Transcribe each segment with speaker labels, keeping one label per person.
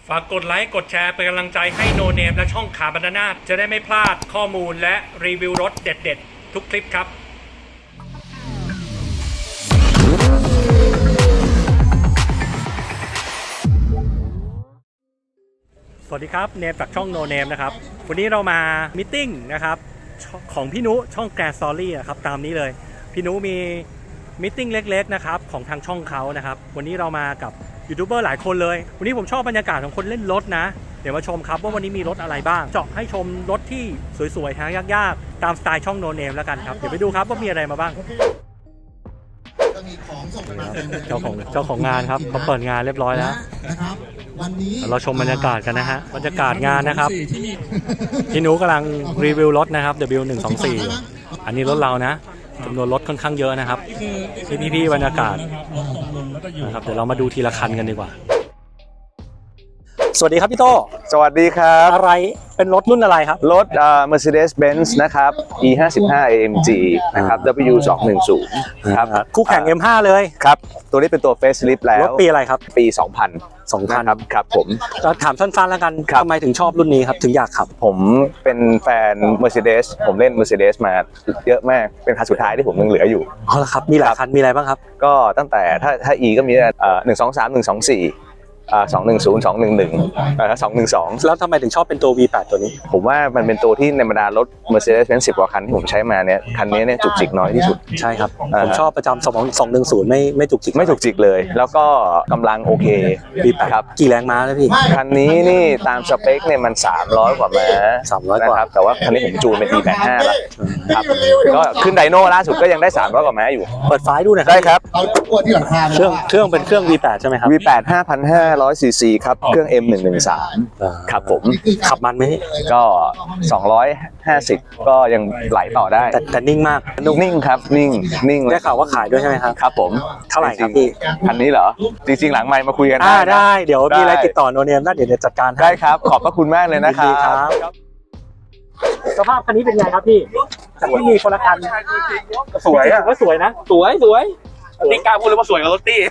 Speaker 1: ฝากกดไลค์กดแชร์เป็นกำลังใจให้โนเนมและช่องขาบรรณาจะได้ไม่พลาดข้อมูลและรีวิวรถเด็ดๆทุกคลิปครับสวัสดีครับเนมจากช่องโนเนมนะครับวันนี้เรามามิทติ้งนะครับของพี่นุช่องแกรนด์สตอรี่นะครับตามนี้เลยพี่นุมีมิทติ้งเล็กๆนะครับของทางช่องเขานะครับวันนี้เรามากับยูทูบเบอร์หลายคนเลยวันนี้ผมชอบบรรยากาศของคนเล่นรถนะเดี๋ยวมาชมครับว่าวันนี้มีรถอะไรบ้างเจาะให้ชมรถที่สวยๆหายากๆตามสไตล์ช่องโนเนมแล้วกันครับเดี๋ยวไปดูครับว่ามีอะไรมาบ้างเจ้าของงานครับเขาเปิดงานเรียบร้อยแล้วเราชมบรรยากาศกันนะฮะบรรยากาศงานนะครับพี่นุกำลังรีวิวรถนะครับ W124 อันนี้รถเรานะจำนวนรถค่อนข้างเยอะนะครับพี่บรรยากาศนะครับเดี๋ยวเรามาดูทีละคันกันดีกว่าสวัสดีครับพี่โต
Speaker 2: สวัสดีครับ
Speaker 1: อะไรเป็นรถรุ่นอะไรครับ
Speaker 2: รถMercedes-Benz นะครับ E55 AMG นะครับ W210 ครับ
Speaker 1: คู่แข่ง M5 เลย
Speaker 2: ครับตัวนี้เป็นตัว Facelift แล้ว
Speaker 1: รถปีอะไรครับ
Speaker 2: ปี 2000ครับผม
Speaker 1: จะถามสั้นๆแล้วกันทำไมถึงชอบรุ่นนี้ครับถึงอยากขับ
Speaker 2: ผมเป็นแฟน Mercedes ผมเล่น Mercedes มาเยอะมากเป็นคันสุดท้ายที่ผมยังเหลืออยู่
Speaker 1: อ๋อเหรอครับมีหลายคันมีอะไรบ้างครับ
Speaker 2: ก็ตั้งแต่ถ้า E ก็มี123 124210 211 212
Speaker 1: แล้วทำไมถึงชอบเป็นตัว V8 ตัวนี้
Speaker 2: ผมว่ามันเป็นตัวที่ในบรรดารถ Mercedes-Benz 10 กว่าคันที่ผมใช้มาเนี่ยคันนี้เนี่ยจุกจิกน้อยที่สุด
Speaker 1: ใช่ครับผมชอบประจำ210ไม่จุกจิก
Speaker 2: ไม่จุกจิกเลยแล้วก็กำลังโอเค
Speaker 1: V8 ครับกี่แรงม้าแล้วพี่
Speaker 2: คันนี้นี่ตามสเปคเนี่ยมัน300 กว่าม้า
Speaker 1: 300 กว่า
Speaker 2: ครับแต่ว่าคันนี้ผมจูนเป็น E85 แล้วครับก็ขึ้นไดโน่ล่าสุดก็ยังได้300 กว่าม้าอยู่
Speaker 1: เปิดไฟดูหน่อย
Speaker 2: ได้ครับ
Speaker 1: เครื่องเป็นเครื่อง V8 ใช่ไหมครับ
Speaker 2: V8 5,500 cc ครับเครื่อง M113 ครับผม
Speaker 1: ขับมันไหม
Speaker 2: ก็250ก็ยังไหลต่อได้
Speaker 1: แต่นิ่งมาก
Speaker 2: นิ่งครับนิ่ง
Speaker 1: ได้ข่าวว่าขายด้วยใช่ไหมครับ
Speaker 2: ครับผม
Speaker 1: เท่าไหร่ครับพี่
Speaker 2: คันนี้เหรอจริงๆหลังไมค์มาคุยกัน
Speaker 1: ได้เดี๋ยวมีอะไรติดต่อโนเนมแล้วเดี๋ยวจัดการ
Speaker 2: ได้ครับขอบพระคุณมากเลยนะครับ
Speaker 1: สภาพคันนี้เป็นไงครับพี่ที่มีคนละคัน
Speaker 2: สวยอ่ะ
Speaker 1: ว่าสวยนะสวยนี่กล้าพูดเลยว่าสวยกับรถตี้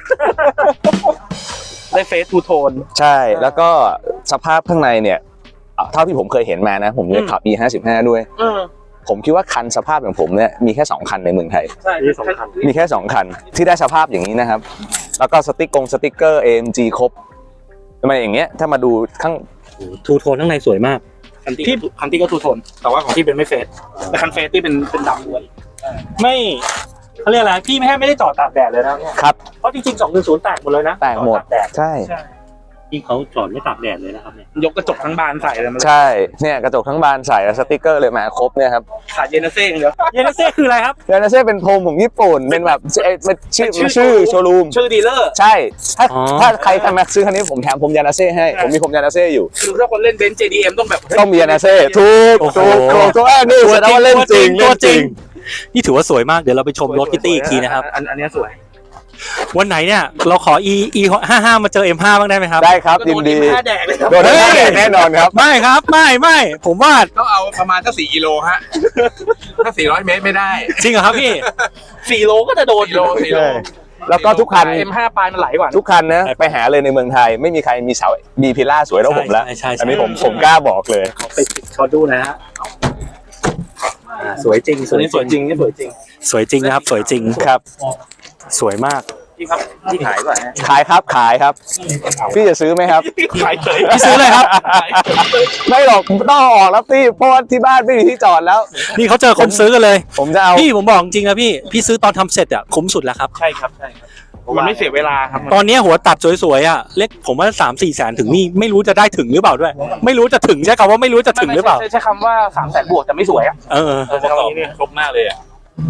Speaker 1: ได้เฟซทูโทน
Speaker 2: ใช่แล้วก็สภาพข้างในเนี่ยเท่าที่ผมเคยเห็นมานะผมเนี่ยขับ E55 ด้วยผมคิดว่าคันสภาพอย่างผมเนี่ยมีแค่2คันในเมืองไทย
Speaker 1: ใช่มี2คัน
Speaker 2: มีแค่2คันที่ได้สภาพอย่างนี้นะครับแล้วก็สติ๊กเกอร์ AMG ครบทำไมอย่างเงี้ยถ้ามาดูข้าง
Speaker 1: ทูโทนข้างในสวยมากคันที่ก็ทูโทนแต่ว่าของที่เป็นไม่เฟซแต่คันเฟซที่เป็นดำล้วนไม่เขาเรียกอะไรพี่ไม่ได้จอดตากแดดเลยนะครับเพราะจริงๆ210แตกหมดเลยนะ
Speaker 2: แตกหมดใช่
Speaker 1: ที่เขาจอดไม่ตากแดดเลยนะครับเนี่ยยกกระจกทั้งบานใส่เลย
Speaker 2: ใช่เนี่ยกระจกทั้งบานใส่สติ๊กเกอร์เลยมาครบเนี่ยครับ
Speaker 1: ขาดเยนเซ่เดี๋ยวเยนเซ่คืออะไรครับ
Speaker 2: เยนเซ่เป็นโฮมของญี่ปุ่นเป็นแบบชื่อโชว์รูม
Speaker 1: ชื่อดีลเลอร์
Speaker 2: ใช่ถ้าใครจะมาซื้อคันนี้ผมแถมผมยานาเซ่ให้ผมมีผมยานาเซ่อยู่
Speaker 1: คือถ้าคนเล่นเบนซ์ JDM
Speaker 2: ต้องมียานาเซ่ถูกนี่แสดงว่าเล่นจริง
Speaker 1: นี่ถือว่าสวยมากเดี๋ยวเราไปชมรถคิตตี้อีกทีนะครับ
Speaker 2: อันนี้สวย
Speaker 1: วันไหนเนี่ยเราขอ E55 มาเจอ M5 บ้างได้ไหมครับ
Speaker 2: ได้ครับยินดีโดนแดกแน่นอนครับ
Speaker 1: ไม่ครับไม่ผมว่า
Speaker 3: ก็เอาประมาณสัก4 กิโลฮะถ้า400 เมตรไม่ได้
Speaker 1: จริงเหรอครับพี่4 โลก็จะโดน
Speaker 3: 4 โล
Speaker 2: แล้วก็ทุกคัน
Speaker 1: M5 ปลายมันไหลกว่า
Speaker 2: ทุกคันนะไปหาเลยในเมืองไทยไม่มีใครมีเสามีพิล่าสวยเท่าผมแล้วอันนี้ผมกล้าบอกเลย
Speaker 1: ขอดูนะฮะสวยจริง
Speaker 2: สวยจริงนี่
Speaker 1: สวยจริงนะครับสวยจริง
Speaker 2: ครับ
Speaker 1: สวยมาก
Speaker 3: พี่ครับพี่ขายก่อน
Speaker 2: ขายครับพี่จะซื้อไหมครับ
Speaker 1: ขายเลยพี่ซื้อเลยครับ
Speaker 2: ไม่หรอกต้องออกแล้วพี่เพราะว่าที่บ้านไม่มีที่จอดแล้ว
Speaker 1: นี่เขาเจอคนซื้อกันเลย
Speaker 2: ผมจะเอา
Speaker 1: พี่ผมบอกจริงนะพี่ซื้อตอนทำเสร็จอ่ะคุ้มสุดแล้วครับ
Speaker 3: ใช่ครับมันไม่เสียเวลาครับ
Speaker 1: ตอนนี้หัวตัดสวยๆอ่ะเล็กผมว่า3-4 แสนถึงนี่ไม่รู้จะได้ถึงหรือเปล่าด้วยไม่รู้จะถึงใช่คำว่าไม่รู้จะถึงหรือเปล่า
Speaker 3: ใช่คำว่า300,000 บวกแต่ไม่สวยอ่ะ
Speaker 1: ใช้
Speaker 3: คำนี้เนี่ยครบมากเลยอ่ะ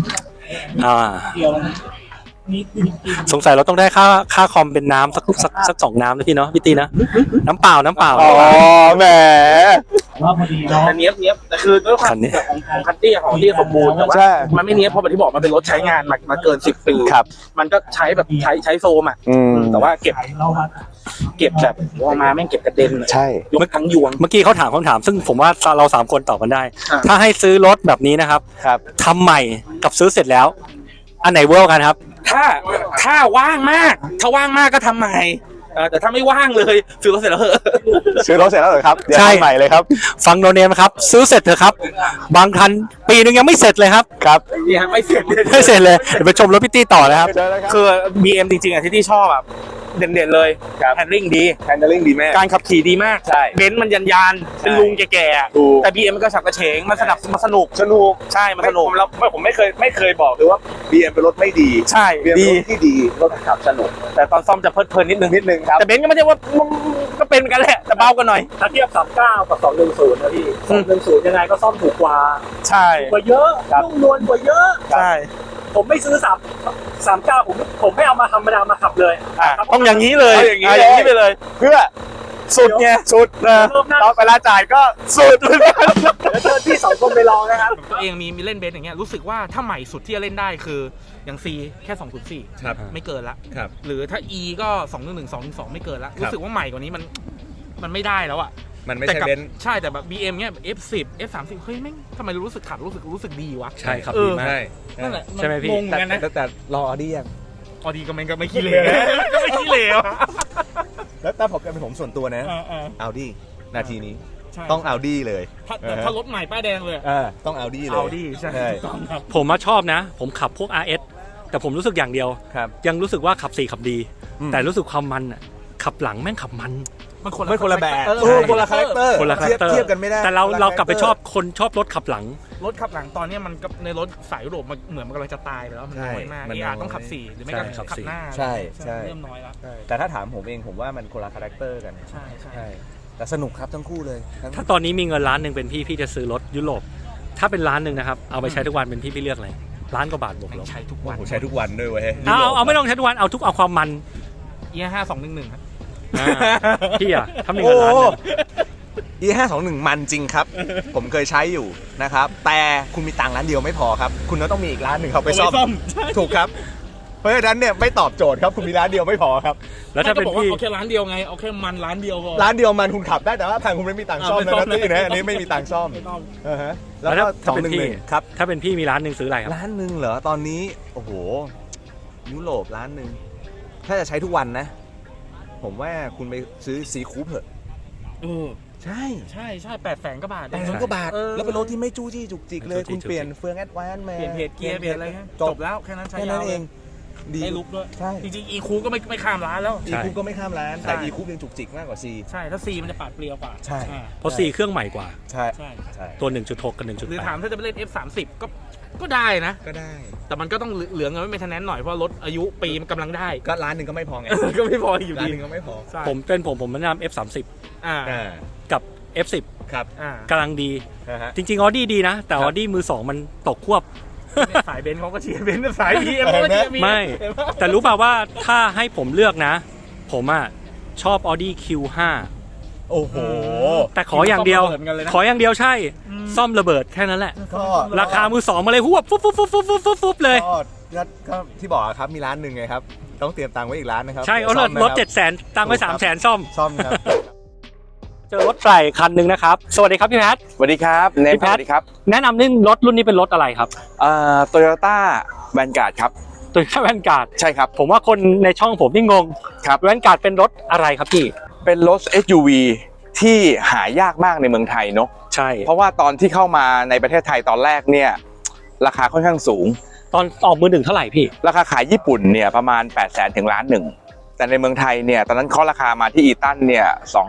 Speaker 1: สงสัยเราต้องได้ค่าคอมเป็นน้ำสัก2 น้ำนะพี่เนาะพี่ตีนะน้ำเปล่า
Speaker 2: อ๋อแหม
Speaker 3: แต่เนี้ยแต่คือด้วยความของคันตี้ของที่สมบูรณ์แต่ว่ามันไม่เนี้ยเพราะแบบที่บอกมันเป็นรถใช้งานมาเกิน10 ปีมันก็ใช้แบบใช้โฟมอ่ะแต่ว่าเก็บแบบออกมาแม่งเก็บกระเด็น
Speaker 2: ใช่
Speaker 1: ยกทั้งยวงเมื่อกี้เขาถามคำถามซึ่งผมว่าเรา3 คนตอบกันได้ถ้าให้ซื้อรถแบบนี้นะครับทำใหม่กับซื้อเสร็จแล้วอันไหนเวิร์กกันครับ
Speaker 3: ถ้าว่างมากก็ทำใหม่แต่ถ้าไม่ว่างเลยซื้อรถเสร็จแล้วเหอะ
Speaker 2: ซื้อรถเสร็จแล้วเหรอครับเดี๋ยว
Speaker 1: ใช่
Speaker 2: ทำใหม่เลยครับ
Speaker 1: ฟังโนเนมครับซื้อเสร็จเถอะครับบางคันปีนึงยังไม่เสร็จเลยครับ
Speaker 2: ครับ
Speaker 3: นี่ฮะไม่เสร็จ
Speaker 1: ไม่เสร็จเลยเดี๋ยวไปชมรถพี่ตี้ต่อนะครับ
Speaker 2: เจอแล้วครับ
Speaker 3: คือ BM จริงๆอ่ะที่ชอบแบบเด่นๆเลย
Speaker 2: ครับ
Speaker 3: แฮนดิ้งดี
Speaker 2: handling ดีแม่
Speaker 3: การขับขี่ดีมาก
Speaker 2: ใช่
Speaker 3: เบนซ์มันยันๆเป็นลุงแก่ๆอะ
Speaker 2: ถูก
Speaker 3: แต่ BM มันก็ฉับกระเฉงมันสนุก
Speaker 2: สนุก
Speaker 3: ใช่มันสนุก
Speaker 2: ผมไม่เคยบอกเลยว่า BM เป็นรถไม่ดี
Speaker 3: ใช่
Speaker 2: BM เป็น
Speaker 3: ดี
Speaker 2: รถที่ดีรถขับสนุก
Speaker 3: แต่ตอนซ่อมจะเพลิดเพลินนิดนึง
Speaker 2: ครับ
Speaker 3: แต่เบนซ์ก็ไม่ใช่ว่าก็เป็นเหมือนกันแหละแต่เบากันหน่อย
Speaker 1: ถ้าเทียบ39กับ210นะพี่210ยังไงก็ซ่อมถูกกว่า
Speaker 3: ใช่
Speaker 1: กว่าเยอะ
Speaker 2: ครับ
Speaker 1: นุ่มนวลกว่าเยอะ
Speaker 3: ใช่
Speaker 1: ผมไม่ซื้อ39ผมไม่เอามาธรรมดามาขับเลย
Speaker 3: ต้องอย่างนี้เลย
Speaker 2: เอาอย่างนี้
Speaker 3: อย่างนี้ไปเลย
Speaker 2: เพื่อ
Speaker 3: สุดไงสุดนะ
Speaker 2: ตอนเวลาจ่ายก็สุดเหมือนกัน
Speaker 1: เดี๋ยวเชิญพี่สองคนไปลองนะครับ
Speaker 3: ตัวเองมีเล่นเบนซ์อย่างเงี้ยรู้สึกว่าถ้าใหม่สุดที่จะเล่นได้คืออย่าง C แค่204
Speaker 2: ครับ
Speaker 3: ไม่เกินละ
Speaker 2: ครับ
Speaker 3: หรือถ้า E ก็211 212ไม่เกินละ
Speaker 2: ครับ
Speaker 3: รู้สึกว่าใหม่กว่านี้มันไม่ได้แล้วอะ
Speaker 2: มันไม่
Speaker 3: แต่
Speaker 2: ใช่
Speaker 3: กับ
Speaker 2: เบนซ์
Speaker 3: ใช่แต่แบบ BM เนี้ย F10 F30 เฮ้ยแม่งทำไมรู้สึกขับรู้สึกดีวะ
Speaker 1: ใช่ครับ
Speaker 3: เออ
Speaker 1: ดีมาก
Speaker 3: นั่นแหละ
Speaker 1: ใช่ไหมพี่
Speaker 3: งงเหมือนกันนะ
Speaker 2: แต่รออดี้ยัง
Speaker 3: ออดีก็ไม่ขี้เหร่ก็ไม่ขี้เหร่อะ
Speaker 2: แล้วแต่ผมเป็นผมส่วนตัวนะ เอาดี้นาทีนี้
Speaker 3: ใช่
Speaker 2: ต้องเอาดี้เลย
Speaker 3: แต่ถ้ารถใหม่ป้ายแดงเลย
Speaker 2: ต้องเอาดี้เลย
Speaker 3: เอาดีใช่
Speaker 2: ใช่
Speaker 3: ถูกต้องครับ
Speaker 1: ผมมาชอบนะ ผมขับพวก RS แต่ผมรู้สึกอย่างเดียว
Speaker 2: ครับ
Speaker 1: ยังรู้สึกว่าขับ4ขับดี
Speaker 2: อืม
Speaker 1: แต่รู้สึกความมันอ่ะขับหลังแม่งขับมัน
Speaker 3: มันคน
Speaker 2: ไม่คนละแบบ
Speaker 3: เออ
Speaker 2: เออคนละคาแรคเตอร์
Speaker 1: คนละคาแรคเตอร์
Speaker 2: เทียบกันไม่ได้
Speaker 1: แต่เรา
Speaker 2: คนละ
Speaker 1: เรากลับไป
Speaker 2: character
Speaker 1: ชอบคนชอบรถขับหลัง
Speaker 3: รถขับหลังตอนเนี้ยมันกับในรถสายยุโรปมันเหมือนมันกำลังจะตายไปแล้วมันน้อยมาก
Speaker 2: มัน
Speaker 3: เอ
Speaker 2: น้
Speaker 3: อา
Speaker 2: อย
Speaker 3: ต้องขับ4หรือไม่ก็
Speaker 1: ใช่ขับ
Speaker 3: ขับ
Speaker 1: 4
Speaker 3: หน้า
Speaker 2: ใช่ใช่
Speaker 3: เริ่มน้อยแล้ว
Speaker 2: แต่ถ้าถามผมเองผมว่ามันคนละคาแรคเตอร์กัน
Speaker 3: ใช่ใช่
Speaker 2: ใช่แต่สนุกครับทั้งคู่เลยทั้ง
Speaker 1: ถ้าตอนนี้มีเงินล้านหนึ่งเป็นพี่จะซื้อรถยุโรปถ้าเป็นล้านหนึ่งนะครับเอาไปใช้ทุกวันเป็นพี่เลือกอะไรล้านกว่าบาทบวกลบ
Speaker 3: ใช้ทุกวัน
Speaker 2: ผมใช้ทุกวันด้วยเว้ย
Speaker 1: เอาไม่ต้องใช้ทุกวันเอาทุกเอาความมัน
Speaker 3: E5211 ครับ
Speaker 1: อ่าพี่อะถ้ามีเงินล้านหนึ่ง
Speaker 2: E521 มันจริงครับ ผมเคยใช้อยู่นะครับ แต่คุณมีตังค์ร้านเดียวไม่พอครับ คุณต้องมีอีกร้านหนึ่งเขาไปซ่อมถูกครับ เพราะฉะนั้นเนี่ยไม่ตอบโจทย์ครับคุณมีร้านเดียวไม่พอครับ
Speaker 1: แล้วถ้าเป็น
Speaker 3: ก็บอกว่า
Speaker 1: พี่
Speaker 3: เอาแค่ร้านเดียวไงเอาแค่มันร้านเดียวพอ
Speaker 2: ร้านเดียวมันคุณขับได้แต่ว่าทางคุณไม่มีตังค์ซ่อม
Speaker 3: ไม่ซ่อม
Speaker 2: นะตี้นะอันนี้ไม่มีตังค์ซ่อม
Speaker 3: ไม่ต้อง
Speaker 2: ฮะ
Speaker 1: แล้
Speaker 2: แล้ว
Speaker 1: ว
Speaker 2: ก็
Speaker 1: ถ้าเป็นพี่
Speaker 2: 211ครับ
Speaker 1: ถ้าเป็นพี่มีล้านหนึ่งซื้ออะไรครับ
Speaker 2: ร้านหนึ่งเหรอตอนนี้โอ้โหยุโรปร้านหนึ่งถ้าจะใช้ทุกวันนะ ผมว่าคุณไปซื้อซีคูปเถอะ
Speaker 3: เออ
Speaker 2: ใช่
Speaker 3: ใช่800,000 กว่าบาท
Speaker 2: 800 กว่าบาท
Speaker 3: เออ
Speaker 2: แล้วเป็นรถที่ไม่จู้จี้จุกจิกเลย
Speaker 1: ไม่จู้จี้
Speaker 2: คุณเปลี่ยนเฟืองแอดวานซ์มา
Speaker 3: เปลี่ยนเพจเกียร์เปลี่ยนอะไรฮะ
Speaker 2: จ
Speaker 3: จ
Speaker 2: บบ
Speaker 3: แล้วแค่นั้นใช้
Speaker 2: แค่
Speaker 3: ยา
Speaker 2: นั้
Speaker 3: วน
Speaker 2: เองดี
Speaker 3: ได้ลุกด้วย
Speaker 2: ใช่
Speaker 3: จริงๆ E คูก็ไม่ข้ามร้านแล้ว
Speaker 2: อีคูปก็ไม่ข้ามร้าน
Speaker 3: ใช่
Speaker 2: แต่อีคูปยังจุกจิกมากกว่าซี
Speaker 3: ใช่ถ้า C มันจะปาดเปรียวกว่า
Speaker 2: ใช่
Speaker 3: อ่า
Speaker 1: เพราะ4เครื่องใหม่กว่า
Speaker 2: ใช่
Speaker 3: ใช่
Speaker 2: ใช่
Speaker 1: ตัว 1.6 กับ
Speaker 3: หรือถาม
Speaker 1: 1.8
Speaker 3: ถ้าจะไปเล่น F30 ก็ได้นะ
Speaker 2: ก็ได้
Speaker 3: แต่มันก็ต้องเหลือเงินไว้เป็นทนแนนหน่อยเพราะรถอายุปีมันกำลังได้
Speaker 2: ก็ร้านหนึ่งก็ไม่พอไง
Speaker 3: ก็ไม่พออยู่
Speaker 2: ร้าน
Speaker 3: ดี
Speaker 2: หนึ่งก็ไม่พอ
Speaker 3: ใช่
Speaker 1: ผมแนะนำ F30
Speaker 3: อ่า
Speaker 1: กับ F10
Speaker 2: ครับ
Speaker 3: อ่าก
Speaker 1: ำลังดี
Speaker 2: นะฮะ
Speaker 1: จริงๆออดี้ดีนะ แต่
Speaker 2: ค
Speaker 1: อ
Speaker 2: รับ
Speaker 1: อดี้มือ 2 มันตกควบ
Speaker 3: สายเบนซ์เขาก็เชียร์เบนซ์สาย BM เขาก็เชียร์ BM
Speaker 1: ไม่ แต่รู้ป่าวว่าถ้าให้ผมเลือกนะ ผมอ่ะชอบ Audi Q5
Speaker 2: โอ้โห
Speaker 1: แต่ขออย่างเดียว
Speaker 3: ซ่มระบิหมืนกันเลยนะ
Speaker 1: ขออย่างเดียวใช่
Speaker 3: อืม
Speaker 1: ซ่อมระเบิดแค่นั้นแหละ
Speaker 2: ก็
Speaker 1: ราคามือ 2 มาเลยหวบฟุบฟุบฟุบฟุบฟุบฟุบฟุบเลย
Speaker 2: ก็ที่บอกอะครับมีร้านหนึ่งไงครับ ต้องเตรียมตังค์ไว้อีกร้านนะครับ
Speaker 1: ใช่เอารถ
Speaker 2: ซ่อมนะคบ
Speaker 1: 700,000ตังค์ไว้300,000ซ่อม
Speaker 2: ซ่อมครับ
Speaker 1: เจอรถใส่คันหนึ่งนะครับ สวัสดีครับพี่แพท
Speaker 4: สวัสดีครับเนม
Speaker 1: พี่แพท
Speaker 4: สวัสดีครับ
Speaker 1: แนะนำเรื่องรถรุ่นนี้เป็นรถอะไรครับ
Speaker 4: โตโยต้าแวนการ์ดครับ
Speaker 1: ตัวแวนการ์ด
Speaker 4: ใช่ครับ
Speaker 1: ผมว่าคนในช่องผมนี่งง
Speaker 4: ครับ
Speaker 1: แวนการ์ดเป็นรถอะไรครับพี่
Speaker 4: เป็นรถ SUV ที่หายากมากในเมืองไทยเนอะ
Speaker 1: ใช่
Speaker 4: เพราะว่าตอนที่เข้ามาในประเทศไทยตอนแรกเนี่ยราคาค่อนข้างสูง
Speaker 1: ตอนออกมือหนึ่งเท่าไหร่พี่
Speaker 4: ราคาขายญี่ปุ่นเนี่ยประมาณ 800,000 ถึง1 ล้าน แต่ในเมืองไทยเนี่ยตอนนั้นเคาะราคามาที่อีตันเนี่ย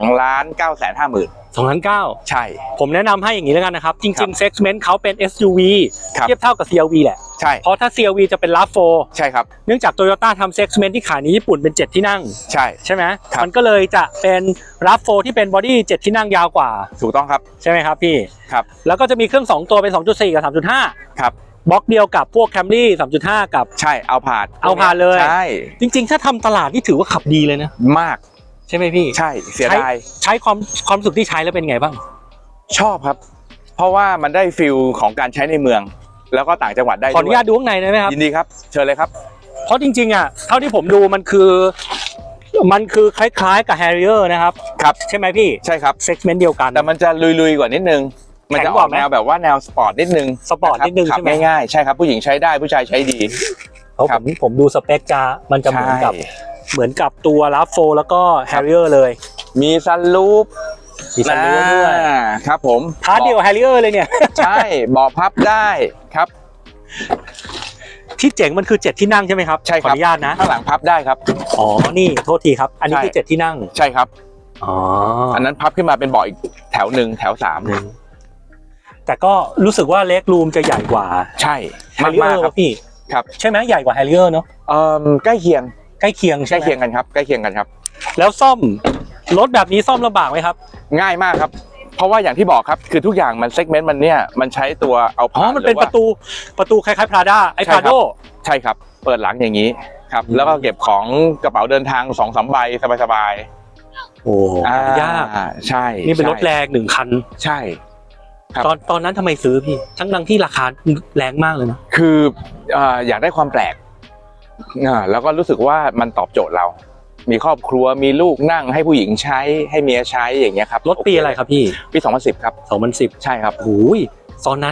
Speaker 4: 2,950,000
Speaker 1: 2,900
Speaker 4: ใช่
Speaker 1: ผมแนะนำให้อย่างนี้แล้วกันนะครับ จ
Speaker 4: ครั
Speaker 1: ริง
Speaker 4: บ
Speaker 1: ๆเซกเมนต์เขาเป็น SUV
Speaker 4: ครับ
Speaker 1: เทียบเท่ากับ CRV แหละ
Speaker 4: ใช่
Speaker 1: เพราะถ้า CRV จะเป็น RAV4
Speaker 4: ใช่ครับ
Speaker 1: เนื่องจาก Toyota ทำเซกเมนต์ที่ขายในญี่ปุ่นเป็น 7 ที่นั่ง
Speaker 4: ใช่
Speaker 1: ใช่ไหม
Speaker 4: ครับ
Speaker 1: มันก็เลยจะเป็น RAV4 ที่เป็นบอดี้7 ที่นั่งยาวกว่า
Speaker 4: ถูกต้องครับ
Speaker 1: ใช่ไหมครับพี่
Speaker 4: ครับ
Speaker 1: แล้วก็จะมีเครื่อง 2 ตัวเป็น 2.4 กับ 3.5
Speaker 4: ครับ
Speaker 1: บล็อกเดียวกับพวก Camry 3.5 กับ
Speaker 4: ใช่เอาผ่าน
Speaker 1: เอาผ่านเลย
Speaker 4: ใช่
Speaker 1: จริงๆ ถ้าทำตลาดนี่ถือว่าขับดีเลยนะ
Speaker 4: มาก
Speaker 1: ใช่ไหมพี่
Speaker 4: ใช่เสียดาย
Speaker 1: ใช้ความรู้สึกที่ใช้แล้วเป็นไงบ้าง
Speaker 4: ชอบครับ เพราะว่ามันได้ฟิลของการใช้ในเมือง แล้วก็ต่างจังหวัดได้
Speaker 1: ขออนุญาตดูข้างในได้ไหมครับ
Speaker 4: ยินดีครับ เชิญเลยครับ
Speaker 1: เพราะจริงๆอ่ะเท่าที่ผมดูมันคือคล้ายๆกับ Harrier นะครับ
Speaker 4: ครับ
Speaker 1: ใช่ไหมพี่
Speaker 4: ใช่ครับ
Speaker 1: เซกเมนต์เดียวกัน
Speaker 4: แต่มันจะลุยๆกว่านิดนึง มันจะออกแนวแบบว่าแนวสปอร์ตนิดนึง
Speaker 1: สปอร์ตนิดนึง
Speaker 4: ขั
Speaker 1: ใช่ไหม
Speaker 4: ง่ายๆ ใช่ครับ ผู้หญิงใช้ได้ผู้ชายใช้ดี
Speaker 1: เพราะ
Speaker 4: ครับ
Speaker 1: ผมดูสเปคมันจะเหมือนกับ
Speaker 4: ใช่
Speaker 1: เหมือนกับตัวลาโฟแล้วก็แฮร์ริเออร์เลย
Speaker 4: มีซันรูฟ
Speaker 1: มีซันรูฟด้วย
Speaker 4: ครับผม
Speaker 1: พาร์ทเดียวกับแฮร์ริเออร์เลยเนี่ย
Speaker 4: ใช่เบาะพับได้ครับ
Speaker 1: ที่เจ๋งมันคือ7ที่นั่งใช่ไหมครับ
Speaker 4: ใช่ครับ
Speaker 1: ขออนุญาตนะ
Speaker 4: ข้างหลังพับได้ครับ
Speaker 1: อ๋อนี่โทษทีครับ อันนี้คือ7ที่นั่ง
Speaker 4: ใช่ครับ
Speaker 1: อ๋อ
Speaker 4: อันนั้นพับขึ้นมาเป็นเบาะอีกแถวหนึ่งแถวสาม
Speaker 1: แต่ก็รู้สึกว่าเล็กรูมจะใหญ่กว่า
Speaker 4: ใช่
Speaker 1: แฮร์ริเอ
Speaker 4: มา
Speaker 1: อก ร์
Speaker 4: ๆครับ
Speaker 1: พี่
Speaker 4: ครับ
Speaker 1: ใช่ไหมใหญ่กว่าแฮร์ริเออร์เนาะ
Speaker 4: ใกล้เคียง
Speaker 1: ใกล้เคียง
Speaker 4: ใก
Speaker 1: ใช่
Speaker 4: ล้
Speaker 1: ไหม
Speaker 4: เคียงกันครับใกล้เคียงกันครับ
Speaker 1: แล้วซ่อมรถแบบนี้ซ่อมลำบากไหมครับ
Speaker 4: ง่ายมากครับ เพราะว่าอย่างที่บอกครับคือทุกอย่างมันเซกเมนต์มันเนี่ยมันใช้ตัวเอา
Speaker 1: อ๋อ
Speaker 4: ผ่าน
Speaker 1: มันเป็น
Speaker 4: หอ
Speaker 1: ป
Speaker 4: ว่า
Speaker 1: ระตูคล้ายๆพราด้าไอ้
Speaker 4: ใช่
Speaker 1: พ
Speaker 4: ครั
Speaker 1: รา
Speaker 4: บ
Speaker 1: โด
Speaker 4: ใช่ครับ เปิดหลังอย่างนี้ครับ แล้วก็เก็บของกระเป๋าเดินทาง2-3 ใบสบาย
Speaker 1: โอ้
Speaker 4: ๆ
Speaker 1: ยาก
Speaker 4: ใช่
Speaker 1: นี่เป็นรถแรง1 คัน
Speaker 4: ใช่ ครับ
Speaker 1: ตอนนั้นทำไมซื้อพี่ ทั้งที่ราคาแรงมากเลยนะ
Speaker 4: คืออยากได้ความแปลกแล้วก็รู้สึกว่ามันตอบโจทย์เรา มีครอบครัวมีลูกนั่งให้ผู้หญิงใช้ให้เมียใช้อย่างเงี้ยครับ
Speaker 1: รถปีอะไรครับพี่
Speaker 4: ปี 2010 ครับ
Speaker 1: 2010
Speaker 4: ใช่ครับ
Speaker 1: โอ้ยตอนนั้น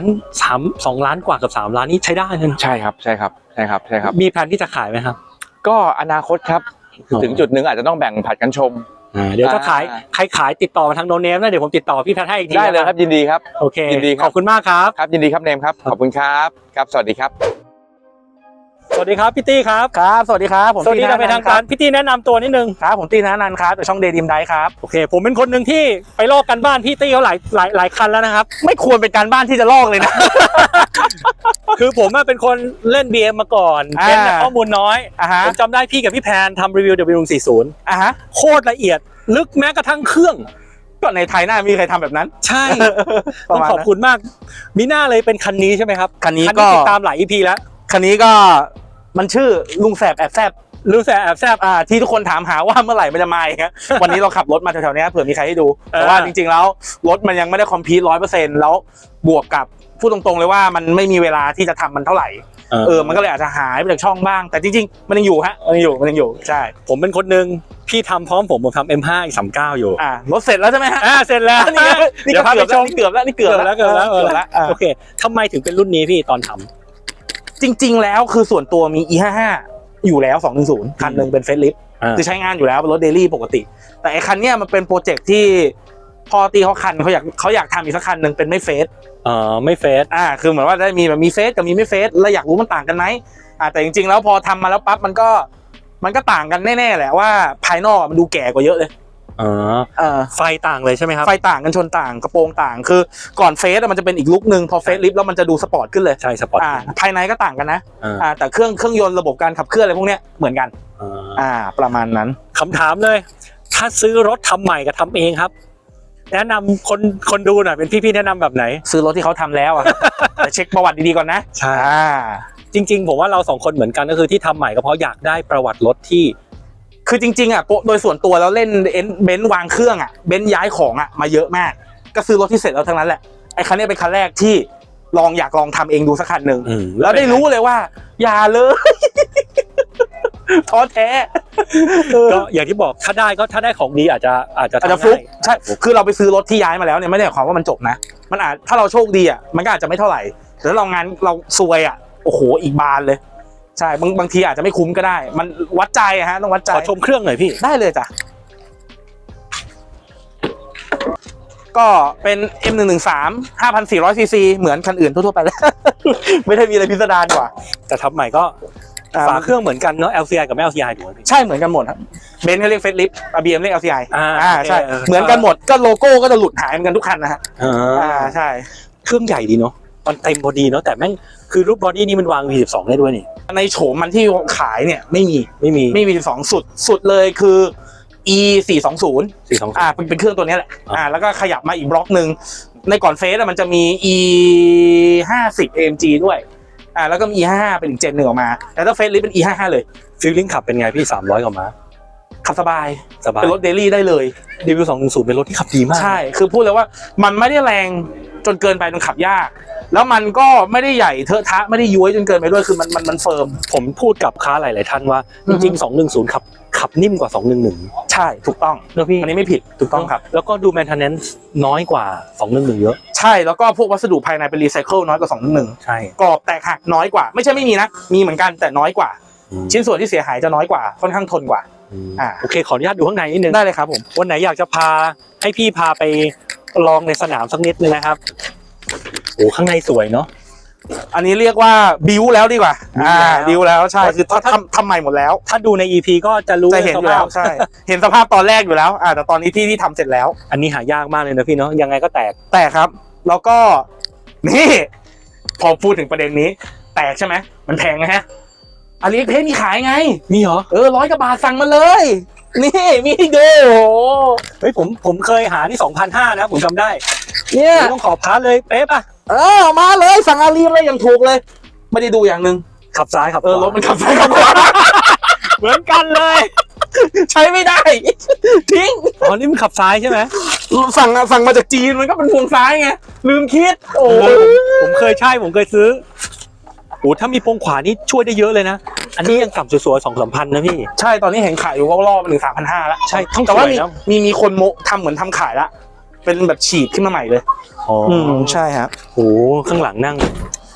Speaker 1: 2 ล้านกว่ากับ3 ล้านนี่ใช้ได้เลยนะ
Speaker 4: ใช่ครับใช่ครับใช่ครับใช่ครับ
Speaker 1: มีแผนที่จะขายไหมครับ
Speaker 4: ก็อนาคตครับ
Speaker 1: อ๋อ
Speaker 4: ถึงจุดหนึ่งอาจจะต้องแบ่งผัดกันชม
Speaker 1: เดี๋ยวถ้าใครขายติดต่อมาทางโนเนมนะเดี๋ยวผมติดต่อพี่แพทย์ให้อีกที
Speaker 4: ได้เลยครับยินดีครับ
Speaker 1: โอเค
Speaker 4: ยินดีครับ
Speaker 1: ขอบคุณมากครับ
Speaker 4: ครับยินดีครับเนมครับขอบคุณครับครับสวัสดีครับ
Speaker 1: สวัสดีครับพี่ตี้ครับ
Speaker 3: ครับสวัสดีครับผม
Speaker 1: สวัสดีครับเป็นทางการพี่ตี้แนะนำตัวนิดนึง
Speaker 3: ครับผมตีธนันท์ครับจากช่องเดย์ดิมไดครับ
Speaker 1: โอเค ผมเป็นคนหนึ่งที่ไปลอกกันบ้านพี่ตี้เขาหลายคันแล้วนะครับ
Speaker 3: ไม่ควรเป็นการบ้านที่จะลอกเลยนะ
Speaker 1: คือผมอะเป็นคนเล่น BM มาก่อน
Speaker 3: อ่า
Speaker 1: เป็นข้อมูลน้อย
Speaker 3: อ่ะฮะ
Speaker 1: ผมจำได้พี่กับพี่แพนทำรีวิว W140
Speaker 3: อ่ะฮะ
Speaker 1: โคตรละเอียด ลึกแม้กระทั่งเครื่อง
Speaker 3: ก็ในไทยน่ามีใครทำแบบนั้น
Speaker 1: ใช่
Speaker 3: ป
Speaker 1: ต้
Speaker 3: ระ
Speaker 1: อง
Speaker 3: มาณ
Speaker 1: ขอบคุณมาก มีหน้าเลยเป็นคันนี้ใช่ไหมครับ
Speaker 3: คันนี้ก็
Speaker 1: ติดตามหลาย EP แล้ว
Speaker 3: คันนี้ก็มันชื่อลุงแสบแอบแซบ
Speaker 1: รู้สึกแอบแซบ
Speaker 3: ที่ทุกคนถามหาว่าเมื่อไหร่มันจะมาอีกฮะ วันนี้เราขับรถมาแถวๆเนี้ยเผื่อมีใครให้ดู แต่ว่าจริงๆแล้วรถมันยังไม่ได้คอมพลีท100%แล้วบวกกับพูดตรงๆเลยว่ามันไม่มีเวลาที่จะทำมันเท่าไหร่มันก็เลยอาจจะหายไปจากช่องบ้างแต่จริงๆมันยังอยู่ฮะมันยังอยู่ใช่
Speaker 1: ผมเป็นคนหนึ่งพี่ทำพร้อมผมทำ M5 อีก39อยู่
Speaker 3: รถเสร็จแล้วใช่ไหมฮะ
Speaker 1: เสร็จแล้ว
Speaker 3: นี่
Speaker 1: เดี๋ยวพาไปชม
Speaker 3: เกือบแล้ว
Speaker 1: เกือบแล้วโอเคทำไมถึงเป็นรุ่นนี้พี่ตอนทำ
Speaker 3: จริงๆแล้วคือส่วนตัวมี E55 อยู่แล้ว210คันหนึ่งเป็นเฟซลิฟต์คือใช้งานอยู่แล้วเป็นรถเดลี่ปกติแต่ไอ้คันเนี้ยมันเป็นโปรเจกต์ที่พอตีเขาอยากทำอีกสักคันหนึ่งเป็นไม่เฟซ
Speaker 1: ไม่เฟซ
Speaker 3: คือเหมือนว่าได้มีแบบมีเฟซกับมีไม่เฟซแล้วอยากรู้มันต่างกันไหมแต่จริงๆแล้วพอทำมาแล้วปั๊บมันก็ต่างกันแน่ๆแหละว่าภายนอกมันดูแก่กว่าเยอะเลย
Speaker 1: ไฟต่างเลยใช่ไหมครับ
Speaker 3: ไฟต่างกันชนต่างกระโปรงต่างคือก่อนเฟซมันจะเป็นอีกลุคนึงพอเฟซลิฟต์แล้วมันจะดูสปอร์ตขึ้นเลย
Speaker 1: ใช่สปอร์ต
Speaker 3: ภายในก็ต่างกันนะแต่เครื่องยนต์ระบบการขับเคลื่อนอะไรพวกเนี้ยเหมือนกันประมาณนั้น
Speaker 1: คำถามเลยถ้าซื้อรถทำใหม่กับทำเองครับแนะนำคนดูหน่อยเป็นพี่ๆแนะนำแบบไหน
Speaker 3: ซื้อรถที่เขาทำแล้วแต่เช็คประวัติดีๆก่อนนะ
Speaker 1: ใช่จริงๆผมว่าเรา2 คนเหมือนกันก็คือที่ทำใหม่ก็เพราะอยากได้ประวัติรถที่
Speaker 3: คือจริงๆโดยส่วนตัวแล้วเล่นเบนซ์วางเครื่องเบนซ์ย้ายของมาเยอะมากก็ซื้อรถที่เสร็จแล้วทั้งนั้นแหละไอ้คันนี้เป็นคันแรกที่อยากลองทำเองดูสักคันหนึ่งแล้วได้รู้เลยว่าอย่าเลยท้อแท้
Speaker 1: ก็อย่างที่บอกถ้าได้ของดีอาจจะ
Speaker 3: ฟลุกใช่คือเราไปซื้อรถที่ย้ายมาแล้วเนี่ยไม่ได้หมายความว่ามันจบนะมันอาจถ้าเราโชคดีมันก็อาจจะไม่เท่าไหร่แต่ถ้าเรางานเราซวยโอ้โหอีกบานเลยใช่บางทีอาจจะไม่คุ้มก็ได้มันวัดใจต้องวัดใจ
Speaker 1: ขอชมเครื่องหน่อยพี่
Speaker 3: ได้เลยจ้ะก็เป็น M113 5,400 cc เหมือนคันอื่นทั่วๆไปแล้ว ไม่ได้มีอะไรพิสดารกว่า
Speaker 1: แต่ทำใหม่ก็ฝาเครื่องเหมือนกันเนาะ LCI กับไม่ LCI ถูกไหมพี่
Speaker 3: ใช่เหมือนกันหมดครับเบนซ์เขาเรียกเฟซลิฟต์BM เรียก LCI ใช่เหมือนกันหมดก็โลโก้ก็จะหลุดหายเหมือนกันทุกคันนะฮะใช่
Speaker 1: เครื่องใหญ่ดีเนาะมันเต็มพอดีเนาะแต่แม่งคือรูปบอดี้นี่มันวาง V12 ได้ด้วยนี่
Speaker 3: ในโฉมมันที่ขายเนี่ยไม่มี V12 สุดเลยคือ E420 เป็นเครื่องตัวนี้แหละแล้วก็ขยับมาอีกบล็อกนึงในก่อนเฟสมันจะมี E50 AMG ด้วยแล้วก็มี E55 เป็นอีกเจนหนึ่งออกมาแต่ถ้าเฟสลิฟต์เป็น E55 เลย
Speaker 1: ฟีลลิ่งขับเป็นไงพี่300กว่าม้า
Speaker 3: ขับสบายเป็นรถเดลี่ได้เลย
Speaker 1: W210 เป็นรถที่ขับดีมาก
Speaker 3: ใช่คือพูดเลยว่ามันไม่ได้แรงจนเกินไปจนขับยากแล้วมันก็ไม่ได้ใหญ่เทอะทะไม่ได้ย้วยจนเกินไปด้วยคือมันเฟิร์ม
Speaker 1: ผมพูดกับค้าหลายๆท่านว่าจริงๆ210ขับนิ่มกว่า211
Speaker 3: ใช่ถูกต้องอันนี้ไม่ผิดถูกต้องครับ
Speaker 1: แล้วก็ดู maintenance น้อยกว่า211เยอะ
Speaker 3: ใช่แล้วก็พวกวัสดุภายในเป็นรีไซเคิลน้อยกว่า211
Speaker 1: ใช่
Speaker 3: กรอบแตกหักน้อยกว่าไม่ใช่ไม่มีนะมีเหมือนกันแต่น้อยกว่าชิ้นส่วนที่เสียหายจะน้อยกว่าค่อนข้างทนกว่า
Speaker 1: โอเคขออนุญาตดูข้างในนิดนึง
Speaker 3: ได้เลยครับผม
Speaker 1: วันไหนอยากจะพาให้พี่พาไปลองในสนามสักนิดนึงนะครับโอ้ข้างในสวยเนาะ
Speaker 3: อันนี้เรียกว่าบิวแล้วดีกว่า
Speaker 1: บิวแล้ว
Speaker 3: บิวแล้วใช่คือทำใหม่หมดแล้ว
Speaker 1: ถ้าดูใน EP ก็จะรู้
Speaker 3: จะเห็นอยู่แล้วใช่ เห็นสภาพตอนแรกอยู่แล้วแต่ตอนนี้ที่ทำเสร็จแล้ว
Speaker 1: อันนี้หายากมากเลยนะพี่เนาะยังไงก็แตก
Speaker 3: แต่ครับแล้วก็นี่พอพูดถึงประเด็นนี้ แตกใช่ไหมมันแพงนะฮะอาลีเพจมีขายไง
Speaker 1: มีเหรอ
Speaker 3: 100 กว่าบาทสั่งมาเลย นี่มีให้ดูโอ้โห
Speaker 1: เฮ้ยผมเคยหาที่ 2,500 นะผมจำได้
Speaker 3: เนี่ย
Speaker 1: ต้องขอพาร์ทเลยเป๊ะป่ะ
Speaker 3: มาเลยสั่งอาลีเลยอย่างถูกเลย ไม่ได้ดูอย่างหนึ่ง
Speaker 1: ขับซ้ายขับขวาร
Speaker 3: ถมันขับซ้ายขับขวา
Speaker 1: เหมือนกันเลย
Speaker 3: ใช้ไม่ได้ ทิ้ง
Speaker 1: อ๋อนี่มันขับซ้ายใช่ไหม
Speaker 3: สั่งมาจากจีนมันก็เป็นพวงซ้ายไงลืมคิด โอ้
Speaker 1: ผมเคยซื้อโอ้ถ้ามีพวงขวานี่ช่วยได้เยอะเลยนะอันนี้ยังต่ำสวยๆ 2-3 พันนะพี่
Speaker 3: ใช่ตอนนี้เห็นขายอยู่ก็รอบมันถึง 3,500 แล้ว
Speaker 1: ใช่ทั้ง
Speaker 3: แต่ว่า
Speaker 1: สวยนะ
Speaker 3: มีคนโมทำเหมือนทำขายละเป็นแบบฉีดขึ้นมาใหม่เลย
Speaker 1: อ๋อ
Speaker 3: ใช่ครับ
Speaker 1: โอ้ข้างหลังนั่ง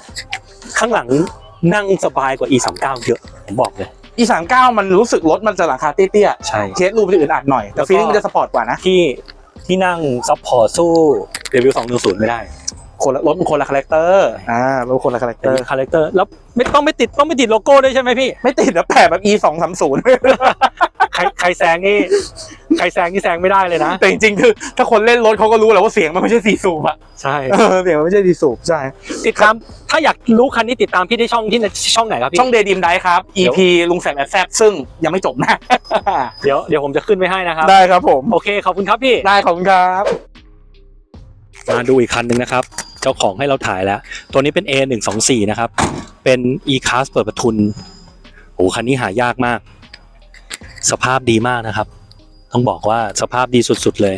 Speaker 1: สบายกว่า E39 เยอะผมบอกเลย
Speaker 3: E39 มันรู้สึกรถมันจะหลังคาเตี้ย
Speaker 1: ใช่
Speaker 3: ๆเคสรูปมันจะอึดอัดหน่อย แต่ฟีลลิ่งมันจะสปอร์ตกว่านะ
Speaker 1: ที่นั่งซัพพอร์ตสู้เรวิว210ไม่ได้
Speaker 3: รถมันคนละคาแรคเตอร์รถคนละคาแรคเต
Speaker 1: แต่
Speaker 3: อร์
Speaker 1: มีคาแรคเตอร์แล้วต้องไม่ติดโลโก้ด้วยใช่ไหมพี่
Speaker 3: ไม่ติดแล้วแปะแบบ E230
Speaker 1: ใครแซงนี่แซงไม่ได้เลยนะ
Speaker 3: แต่จริงๆคือถ้าคนเล่นรถเขาก็รู้แหละว่าเสียงมันไม่ใช่4สูบอะ
Speaker 1: ใช่
Speaker 3: เสียงมันไม่ใช่4สูบใช่
Speaker 1: ติดตามถ้าอยากรู้คันนี้ติดตามพี่ได้ช่องไหนครับพี่
Speaker 3: ช่องเดดิมไดครับ EP ลุงแสบแซบซึ่งยังไม่จบนะ
Speaker 1: เดี๋ยวผมจะขึ้นไว้ให้นะครับ
Speaker 3: ได้ครับผม
Speaker 1: โอเคขอบคุณครับพี่
Speaker 3: ได้ขอบคุณครับ
Speaker 1: มาดูอีกคันหนึ่งนะครับ เจ้าของให้เราถ่ายแล้ว ตัวนี้เป็น A124 นะครับ เป็น E-Class เปิดประทุนโอ้คันนี้หายากมาก สภาพดีมากนะครับ ต้องบอกว่าสภาพดีสุดๆเลย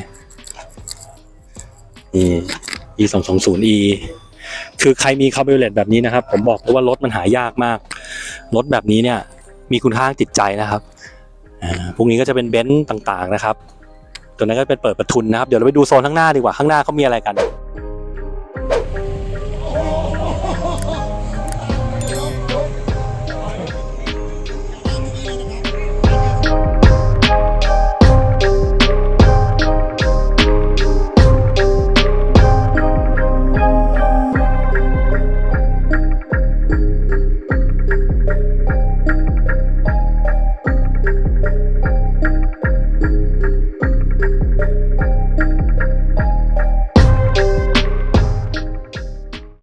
Speaker 1: นี่ E220E คือใครมีคาร์บูเรตแบบนี้นะครับ ผมบอกเลยว่ารถมันหายากมาก รถแบบนี้เนี่ยมีคุณค่าทางจิตใจนะครับพวกนี้ก็จะเป็นเบนซ์ต่างๆนะครับ ตัวนั้นก็เป็นเปิดประทุนนะครับ เดี๋ยวเราไปดูโซนข้างหน้าดีกว่า ข้างหน้าเขามีอะไรกัน